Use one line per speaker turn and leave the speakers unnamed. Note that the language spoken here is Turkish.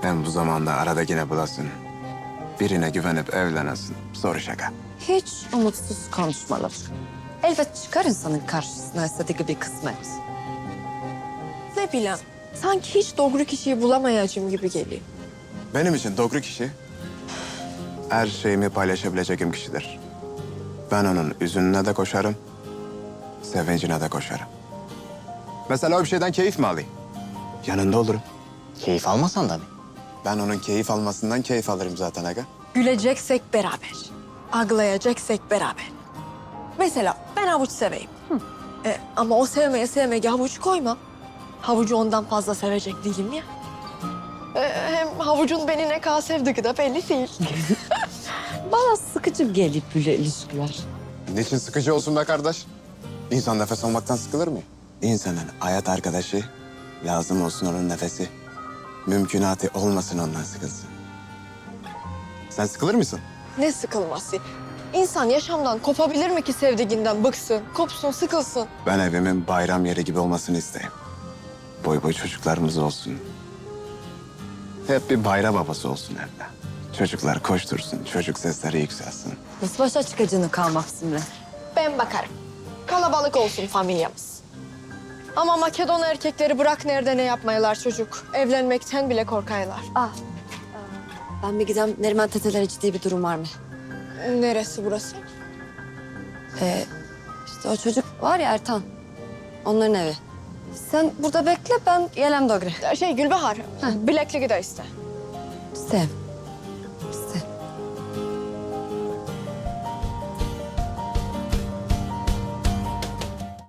Ben bu zamanda arada yine bulasın. Birine güvenip evlenesin. Soru şaka.
Hiç umutsuz konuşmalar. Elbet çıkar insanın karşısına istediği bir kısmet.
Ne bileyim, sanki hiç doğru kişiyi bulamayacağım gibi geliyor.
Benim için doğru kişi her şeyimi paylaşabileceğim kişidir. Ben onun üzününe de koşarım, sevincine de koşarım. Mesela o bir şeyden keyif mi alayım? Yanında olurum.
Keyif almasan da mı?
Ben onun keyif almasından keyif alırım zaten aga.
Güleceksek beraber, ağlayacaksek beraber. Mesela ben havuç seveyim. Ama o sevmeye havuç koymam. Havucu ondan fazla sevecek değilim ya. Hem havucun beni ne kadar sevdiği de belli değil.
Bana sıkıcı gelip böyle ilişkiler.
Niçin sıkıcı olsun be kardeş? İnsan nefes almaktan sıkılır mı? İnsanın hayat arkadaşı lazım olsun onun nefesi. Mümkünatı olmasın ondan sıkılsın. Sen sıkılır mısın?
Ne sıkılması? İnsan yaşamdan kopabilir mi ki sevdiğinden bıksın, kopsun, sıkılsın?
Ben evimin bayram yeri gibi olmasını isterim. Boy boy çocuklarımız olsun. Hep bir bayram havası olsun evde. Çocuklar koştursun, çocuk sesleri yükselsin.
Nasıl başa çıkacağını kalmak Simre?
Ben bakarım. Kalabalık olsun familyamız. Ama Makedon erkekleri bırak nerede ne yapmayalar çocuk. Evlenmekten bile korkaylar.
Ben bir gidem Neriman tetelere ciddi bir durum var mı?
Neresi burası?
İşte o çocuk var ya Ertan. Onların evi. Sen burada bekle ben gelem Dogre.
Gülbahar, Bilekli gide iste.
Sev.